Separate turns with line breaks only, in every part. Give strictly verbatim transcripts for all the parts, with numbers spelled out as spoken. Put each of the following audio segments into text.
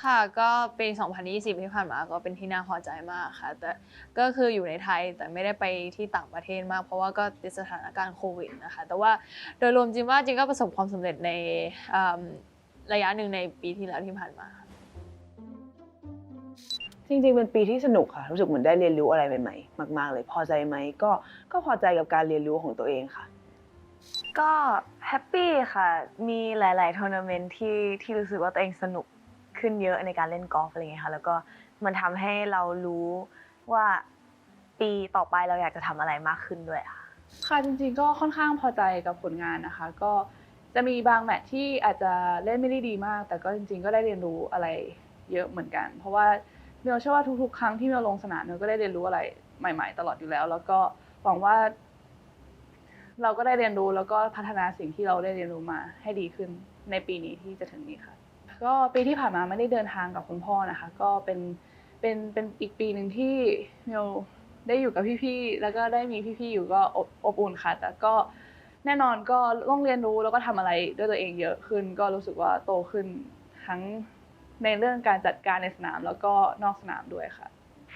ค่ะก็ปี สองพันยี่สิบ ที่ผ่านมาก็เป็นที่น่าพอใจมากค่ะแต่ก็คืออยู่ในไทยแต่ไม่ได้ไปที่ต่างประเทศมากเพราะว่าก็ติดสถานการณ์โควิดนะคะแต่ว่าโดยรวมจริงว่าจริงก็ประสบความสำเร็จในระยะหนึ่งในปีที่แล้วที่ผ่านมา
จริงๆเป็นปีที่สนุกค่ะรู้สึกเหมือนได้เรียนรู้อะไรใหม่ๆมากๆเลยพอใจไหมก็ก็พอใจกับการเรียนรู้ของตัวเองค่ะ
ก็แฮปปี้ค่ะมีหลายๆทัวร์นาเมนต์ที่ที่รู้สึกว่าตัวเองสนุกขึ้นเยอะในการเล่นกอล์ฟอะไรเงี้ยค่ะแล้วก็มันทำให้เรารู้ว่าปีต่อไปเราอยากจะทำอะไรมากขึ้นด้วยค่ะ
ค่ะจริงๆก็ค่อนข้างพอใจกับผลงานนะคะก็จะมีบางแมตช์ที่อาจจะเล่นไม่ได้ดีมากแต่ก็จริงๆก็ได้เรียนรู้อะไรเยอะเหมือนกันเพราะว่าเมลเชื่อว่าทุกๆครั้งที่เมลลงสนามเมลก็ได้เรียนรู้อะไรใหม่ๆตลอดอยู่แล้วแล้วก็หวังว่าเราก็ได้เรียนรู้แล้วก็พัฒนาสิ่งที่เราได้เรียนรู้มาให้ดีขึ้นในปีนี้ที่จะถึงนี้ค่ะก็ปีที่ผ่านมาไม่ได้เดินทางกับคุณพ่อนะคะก็เป็นเป็นเป็นอีกปีหนึ่งที่เมลได้อยู่กับพี่ๆแล้วก็ได้มีพี่ๆอยู่ก็อบอบอุ่นค่ะแต่ก็แน่นอนก็ต้องเรียนรู้แล้วก็ทำอะไรด้วยตัวเองเยอะขึ้นก็รู้สึกว่าโตขึ้นทั้งในเรื่องการจัดการในสนามแล้วก็นอกสนามด้วยค่ะ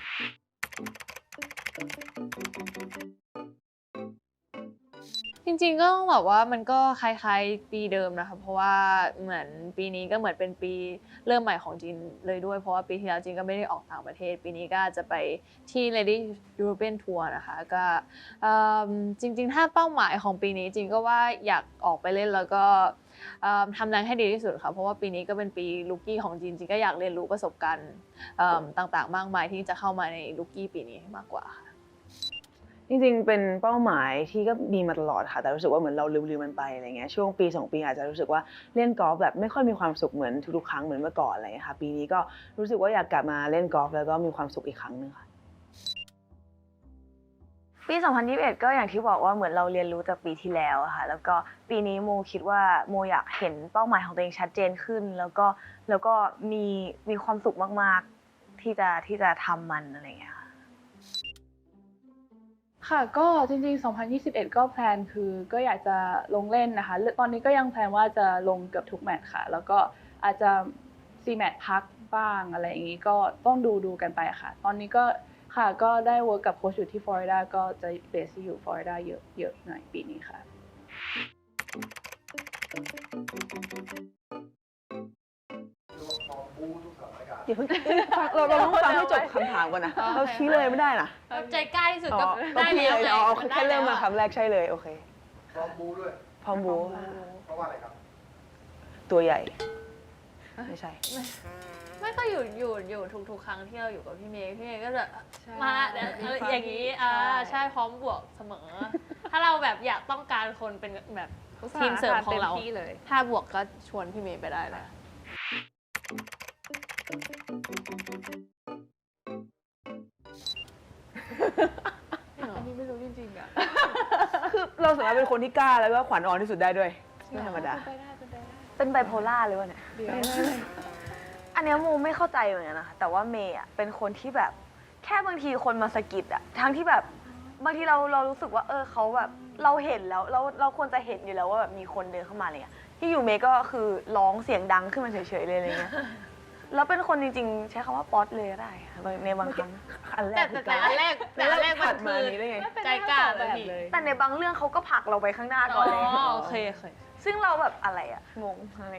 จริงๆก็ต้องบอกว่ามันก็คล้ายๆปีเดิมนะคะเพราะว่าเหมือนปีนี้ก็เหมือนเป็นปีเริ่มใหม่ของจีนเลยด้วยเพราะว่าปีที่แล้วจีนก็ไม่ได้ออกต่างประเทศปีนี้ก็จะไปที่ Lady European Tour นะคะก็จริงๆถ้าเป้าหมายของปีนี้จริงก็ว่าอยากออกไปเล่นแล้วก็ทำแรงให้ดีที่สุดค่ะเพราะว่าปีนี้ก็เป็นปีลูกี้ของจีนจริงก็อยากเรียนรู้ประสบการณ์ต่างๆมากมายที่จะเข้ามาในลูกี้ปีนี้มากกว่าค่ะ
จริงๆเป็นเป้าหมายที่ก็มีมาตลอดค่ะแต่รู้สึกว่าเหมือนเราลืมๆมันไปอะไรเงี้ยช่วงปีสองปีอาจจะรู้สึกว่าเล่นกอล์ฟแบบไม่ค่อยมีความสุขเหมือนทุกๆครั้งเหมือนเมื่อก่อนอะไรเงี้ยค่ะปีนี้ก็รู้สึกว่าอยากกลับมาเล่นกอล์ฟแล้วก็มีความสุขอีกครั้งนึงค่ะ
ปี สองพันยี่สิบเอ็ด ก็อย่างที่บอกว่าเหมือนเราเรียนรู้จากปีที่แล้วอะค่ะแล้วก็ปีนี้โมคิดว่าโมอยากเห็นเป้าหมายของตัวเองชัดเจนขึ้นแล้วก็แล้วก็มีมีความสุขมากๆที่จะที่จะทำมันอะไรอย่างเงี้ยค่ะ
ค่ะก็จริงๆ สองพันยี่สิบเอ็ด ก็แพลนคือก็อยากจะลงเล่นนะคะตอนนี้ก็ยังแพลนว่าจะลงเกือบทุกแมตช์ค่ะแล้วก็อาจจะซีแมตช์พักบ้างอะไรอย่างนี้ก็ต้องดูดูกันไปค่ะตอนนี้ก็ค่ะก็ได้เวิร์กกับโค้ชอยู่ที่ฟลอริดาก็จะเบสอยู่ฟลอริดาเยอะเยอะหน่อยปีนี้ค่ะ
อย่าเพิ่งเราเราต้องฟังให้จบคำถามก่อนนะเราชี้เลยไม่ได้นะ
ใจกล้าที่สุดก็ได้
ได้
แล้ว
เลยเอาแค่เริ่มมาคำแรกใช่เลยโอเค
พร้อมบูด้วย
พร้อมบู
เพราะว่าอะไรครับ
ตัวใหญ่ไม่ใช่
ไม่ก็อยู่อยู่อยู่ทุกๆครั้งที่เราอยู่กับพี่เมย์พี่เมย์ก็จะมาอย่างนี้อ่าใช่พร้อมบวกเสมอถ้าเราแบบอยากต้องการคนเป็นแบบทีมเสริมของเราถ้าบวกก็ชวนพี่เมย์ไปได้เลย
อันนี้ไม่รู้จริงๆอ่ะ
คือเราสามารถเป็นคนที่กล้าแล้วก็ขวัญอ่อนที่สุดได้ด้วยไม่ธรรมดา
เป็นไบโพล่าเลยวะเนี่ยอันนี้โมไม่เข้าใจเหมือนกันนะคะแต่ว่าเมย์อ่ะเป็นคนที่แบบแค่บางทีคนมาสะกิดอ่ะทั้งที่แบบบางทีเราเรารู้สึกว่าเออเขาแบบเราเห็นแล้วเราเราควรจะเห็นอยู่แล้วว่าแบบมีคนเดินเข้ามาอะไรเงี้ยที่อยู่เมย์ก็คือร้องเสียงดังขึ้นมาเฉยๆเลยอะไรเงี้ยแล้วเป็นคนจริงๆใช้คำว่าป๊อตเลยก็ได้ในบางครั้ง
อันแร
แต่
ก
แต่อันแรกแต่อันแรกมันคือใจกล้าเลยพี่
แต่ในบางเรื่องเขาก็ผลักเราไปข้างหน้าก่อนเลย
อ๋อโอเคโอเค
ซึ่งเราแบบอะไรอะงงอะไร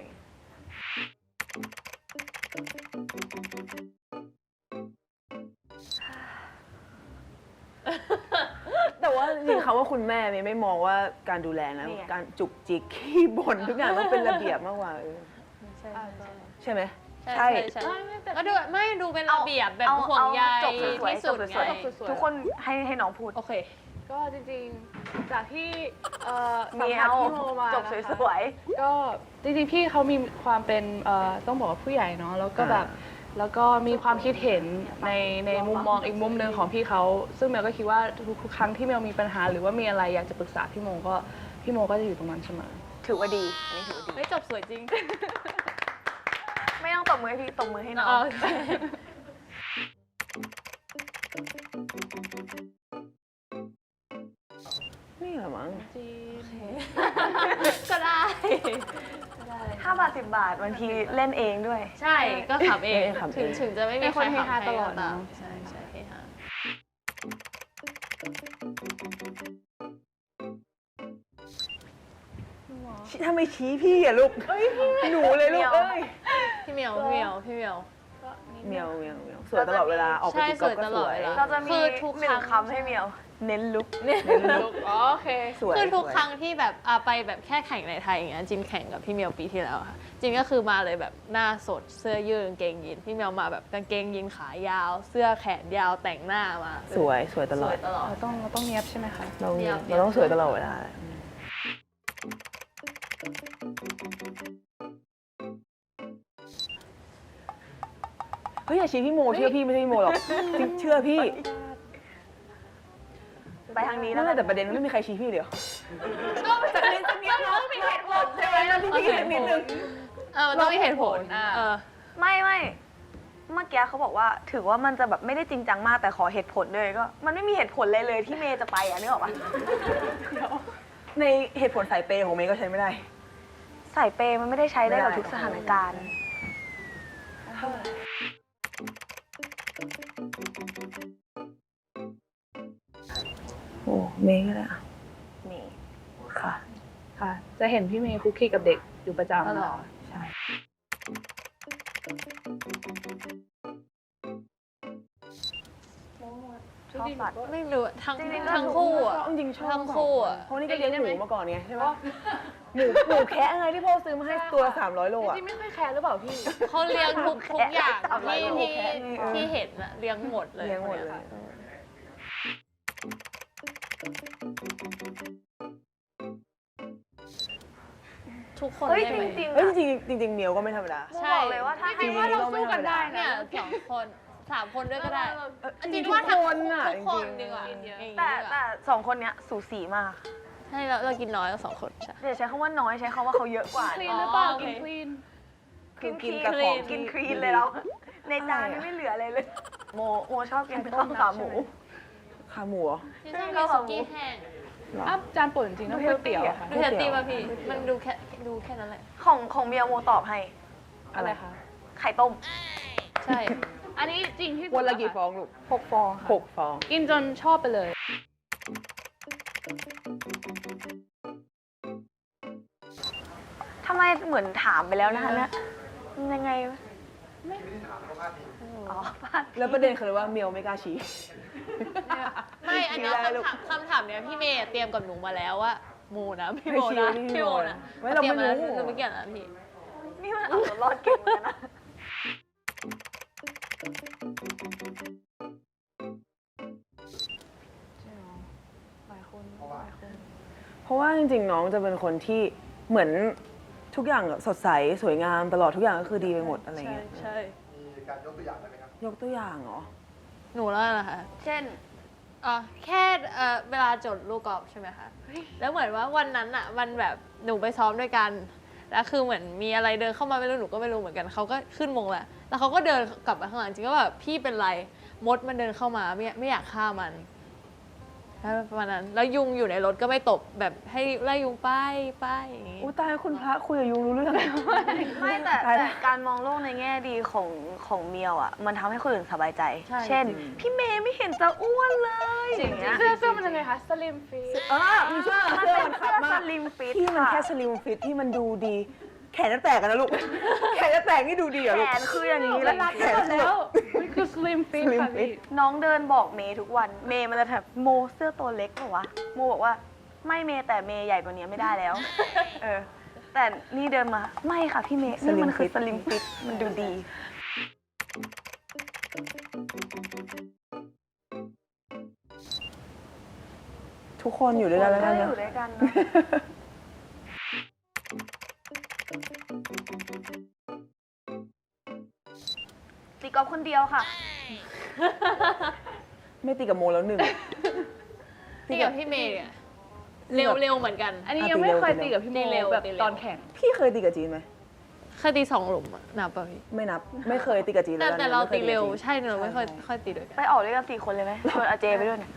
แต่ว่าจริงๆเขาว่าคุณแม่เมย์ไม่มองว่าการดูแลนะการจุกจิกขี้บ่นทุกอย่างต้องเป็นระเบียบมากกว่าใช่ไหมใช่
ก็ดูไม่ดูเป็นระเบียบแบบห่วงใยที่สุดไง
ทุกคนให้ให้น้องพูด
โอเคก็จริงๆจากที่
มีเอาจบสวย
ๆก็จริงๆพี่เขามีความเป็นต้องบอกว่าผู้ใหญ่เนาะแล้วก็แบบแล้วก็มีความคิดเห็นในในมุมมองอีกมุมหนึ่งของพี่เขาซึ่งเมลก็คิดว่าทุกครั้งที่เมลมีปัญหาหรือว่ามีอะไรอยากจะปรึกษาพี่โมก็พี่โมก็จะอยู่ตรงนั้นเสมอ
ถือว่าดีอันนี้ถือว่าดี
ไม่จบสวยจริง
ไม่ต้องตบมือให้พี่ตบมือให้น้อง
นี่เหรอมั้ง
ก็ได้
ถ้าาบาทสิบบาทบางทีเล่นเองด้วย
ใช่ก็ขำเอง
เออขำเอง
ถึงถึงจะไม่มี
เป็น
ใค
ค
ร
นเฮ
ขำ
ฮา
ให้
ตลอด
ก็ตาม
เนอะ
ใช่ใช่เฮฮา
ถ้าไม่ชี้พี่อะลูกหนูเลยลูกเอ้ย
พี่เหมียวพี่เหมียวพี่เหมียว
เมียวเมียวเมียวสวยตลอดเวลาออกไป
ใช่
ตีกอล์ฟก็
สวยต
ส
ลอด
วย
เวลา
เราจะมี
คือทุก
หนึ่
ครั้
ง
ง
คำให้เมียว เน้นลุก
ลุกอ๋อโอเค
สวย
คือทุก
สวย
ครั้งที่แบบอ่ะไปแบบแค่แข่งในไทยอย่างเงี้ยจินแข่งกับพี่เหมียวปีที่แล้วค่ะจินก็คือมาเลยแบบหน้าสดเสื้อยืดกางเกงยีนพี่เหมียวมาแบบกางเกงยีนขายาว เสื้อแขนยาวแต่งหน้ามา
สวยสวยตล
ส
อ
ว
ด
ยตลอด
เราต้องเราต้องเนียบใช่ไหมคะ
เรา
เดี๋ยว
เราต้องสวยตลอดเวลาเฮ้ยอย่าชี้พี่โมเชื่อพี่ไม่ใช่พี่โมหรอกจริงเชื่อพี่
ไปทางนี้แล้
นั่
วน
แหละแต่ประเด็นไม่มีใครชี้พี่เดียวจากนิดจากนิดเรามีเหตุผลใช่ไหมเราที่พี่สักนิดนึง
เออมันต้องมีเหตุผล
อ่า
เออ
ไม่ไม่เมื่อกี้เขาบอกว่าถือว่ามันจะแบบไม่ได้จริงจังมากแต่ขอเหตุผลด้วยก็ มันไม่มีเหตุผลเลยเลยที่เมย์จะไปอ่ะนึกออกปะ
ในเหตุผลสายเปย์ของเมย์ก็ใช้ไม่ได้
สายเปย์มันไม่ได้ใช้ได้กับ
ไม่ได้
ทุกสถานการณ์
โอ้เมย์ก็ได้อะ
นี่
ค่ะ
ค่ะ จะเห็นพี่เมย์คุกคีกับเด็กอยู่ประจำ
ตลอด
ใช่
ชอบสัตว์
ไม่รู้ทั้ง
จริงๆก็
ทั้งคู่อ่ะ
จริงๆชอบ
ทั้งคู่อะ
เพราะนี่ก็เลี้ยงหมูมาก่อนไงใช่ปะหมูหมูแคะไงที่พ่อซื้อมาให้ตัวละสามร้อยโลอ่ะ
จริงๆไม่ค่อยแคร์หรือเปล่าพี่
เขาเลี้ยงทุกทุกอย่าง
เอาไว้
ที่
ลูก
ที่
แค่นี้เออ
ที่เห็นอะเลี้ยงหมดเลย
เลี้ยงหมดเลย
ค่ะทุกคน
เฮ้ย
ได้
จ
ไหม
ริงๆ
เฮ้ย
อะ
จริงๆจริงๆเมียวก็ไม่ธรรมดา
มูบอกเลยว่าถ้าให้
จริงๆ
ว่าเรา
ก็ไม่
สู้กันได้
ธรรมดา
เนี่ยสองคนสามคนด้วยก็ได้
จริงๆ
จิน
ทุก
ว่าทั้ง
คนน่ะ
ทุกคน
จริงๆ
ดีกว่า
กินเยอะ
อย่างนี้
แต่
ดีกว่า
แต่สองคนเนี้ยสูสีมาก
ใช่เราเรากินน้อยกว่าสองคนใช่
เดี๋ยวใช้คำว่าน้อยใช้คำว่าเขาเยอะกว่า
คลี
เนี่ย
นหรือเปล่า
อ๋อโอเค
กินคลีน
กินคลีน
กินแต่ของ
กิน
ที่
คลีนเลยเราในจานนี่ไม่เหลืออะไรเลย โมโมชอบกินข้าวขาหมู
ขาหมูเหรอ
ที่ชอบกินสุกี้แห้ง
เหรอ
อ้าวจานโปรดจริงๆต้องก๋วยเตี๋ยวอะค่ะ
ดูเฮลตี้ป่ะพี่ มันดูแค่ดูแค่นั้นแหละ
ของของเมียโมตอบให้
อะไรคะ
ไข่ต้ม
ใช่
อันนี้จริงที่สุด
วันละกี่
ค่
ฟองลูก
หกฟองค่ะ
หกฟอง
กินจนชอบไปเลย
ทำไมเหมือนถามไปแล้วนะคะเนี่ยมันยังไงวะอ๋อพลาด
แล้วประเด็นคือว่าเมียวไม่กล้าชี้
ไม่อันเนี้ย
ชี้ได้ลูก
คำถามคำถามเนี้ยพี่เมย์เตรียมกับหนูมาแล้วว่าหมูนะพี่
ไม่
โม
ชี้
นะ
พี่
พี่
โม
โม
นะ
นะ
ไม่เราไม่รู้
ตยนะหนูไม่เกี่ยวนะพี่
นี่มันเอาตัวรอดเก่งเหมือนกันนะ
หลายคนหลายคน
เพราะว่าจริงๆน้องจะเป็นคนที่เหมือนทุกอย่างสดใสสวยงามตลอดทุกอย่างก็คือดีไปหมดอะไร
ใช่
เงี้ย
ใช่
มีการยกตัวอย่างได้ไหมครับ
ยกตัวอย่างเหรอ
หนูแล้วนะคะ
เช่น
อ๋อแค่เอ่อเวลาจดลูกกอล์ฟใช่ไหมคะแล้วเหมือนว่าวันนั้นอะมันแบบหนูไปซ้อมด้วยกันแล้วคือเหมือนมีอะไรเดินเข้ามาไม่รู้หนูก็ไม่รู้เหมือนกันเขาก็ขึ้นมงแล้วแล้วเขาก็เดินกลับมาข้างหลังจริงก็แบบพี่เป็นไรมดมันเดินเข้ามาไม่ไม่อยากฆ่ามันแล้วประมาณนั้นแล้วยุงอยู่ในรถก็ไม่ตบแบบให้ไล่ยุงไปไปอย่างงี้
อู้ตายคุณพระคุยกับยุงรู้เรื่อง
ไม่แต่
ตาย
แต่
ละ
การมองโลกในแง่ดีของของเมียวอ่ะ มันทำให้คนอื่นสบายใจ
ใช่
เช่น
จริง
พี่เมย์ไม่เห็นจะอ้วนเลยอย่างเงี้ย
เสื้อเสื้อมันยังไงคะสลิมฟีท
อ่ามีเสื้อ
มัน
เสื้อ
เป็น
มัน
เสื้
ขั
อบ
มา
ส
ก
ลิมฟิต
ที่มัน
ค่ะ
แค่สลิมฟิตที่มันดูดี แขนจะแตกกันนะลูก แขนจะแตกนี่ดูดีเหรอ
แข
ลูก
นคืออย่างนี้เล
แล้
ยว
รัด
แขนแล้วมันคือสลิมฟีท
Slim
ค่ะ
fit
พี่
น้องเดินบอกเมย์ทุกวัน เมย์มันจะแบบโมเสื้อตัวเล็กเหรอวะ โมบอกว่าไม่เมย์แต่เมย์ใหญ่กว่านี้ไม่ได้แล้ว เออ แต่นี่เดินมาไม่ค่ะพี่เมย์นี่มันคือสลิมฟิตมันดูดี
ทุกคนอยู่ด้วยกันแล้ว
ก็
กัน
อ
นะ
ยู่ด้วยกันเนอะตีกอล์ฟคนเดียวค่ะ
ไม่ตีกับโมแล้วหนึ่ง
ตีกับพี่เมย์อะเร็วเร็วเหมือนกัน
อันนี้ยังไม่เคยตีกับพี่โม
ตีเร็ว
แบบ
ตีเร็ว
ตอนแข่ง
พี่เคยตีกับจีนไหม
เคยตีสองหลุมอะนับป่ะพี่
ไม่นับ ไม่เคยตีกับจีน
แต่
แล้ว
แต่
นะ
เรา
ไม่ค
ตี
ยกับ
เร็ว
จีน
ใช่เราไม่ค่อย
ใช่
ค่อยตีด้วยกัน
ไปออกด้วยกันสี่คนเลยไหมชวนอาเจไปด้วยเนี่ย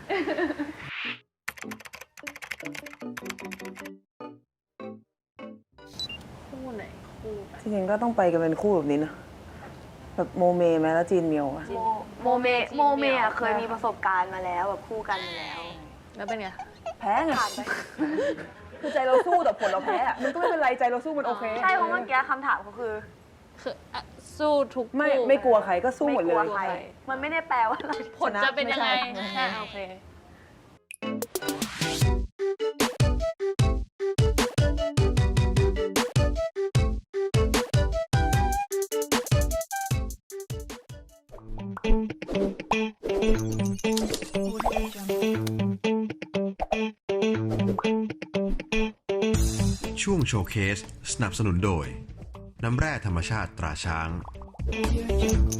คู่ไหนคู่
ริงๆก็ต้องไปกันเป็นคู่แบบนี้นะแบบโมเมไหมแล้วจีนเมียวอะ
โมโมเมโมเมอะเคยมีประสบการณ์มาแล้วแบบคู่กันมาแล้ว
แล้วเป็นไง
แพ้ไง
ผ่านไป
คือใจเราสู้แต่ผลเราแพ้อะมันก็ไม่เป็นไรใจเราสู้มันโอเค
ใช่เพราะเมื่อกี้คำถามเขาคือ
คืออ่ะสู้ทุก
ไม่
คู่
ไม่กลัวใครก็สู้หมดเล
ไม่กลั
ยว
ใครมันไม่ได้แปลว่าเรา
ผลจะเป็นยังไง
ไม่ใช่
ใช่โอเค
ช่วงโชว์เคสสนับสนุนโดย น้ำแร่ธรรมชาติตราช้าง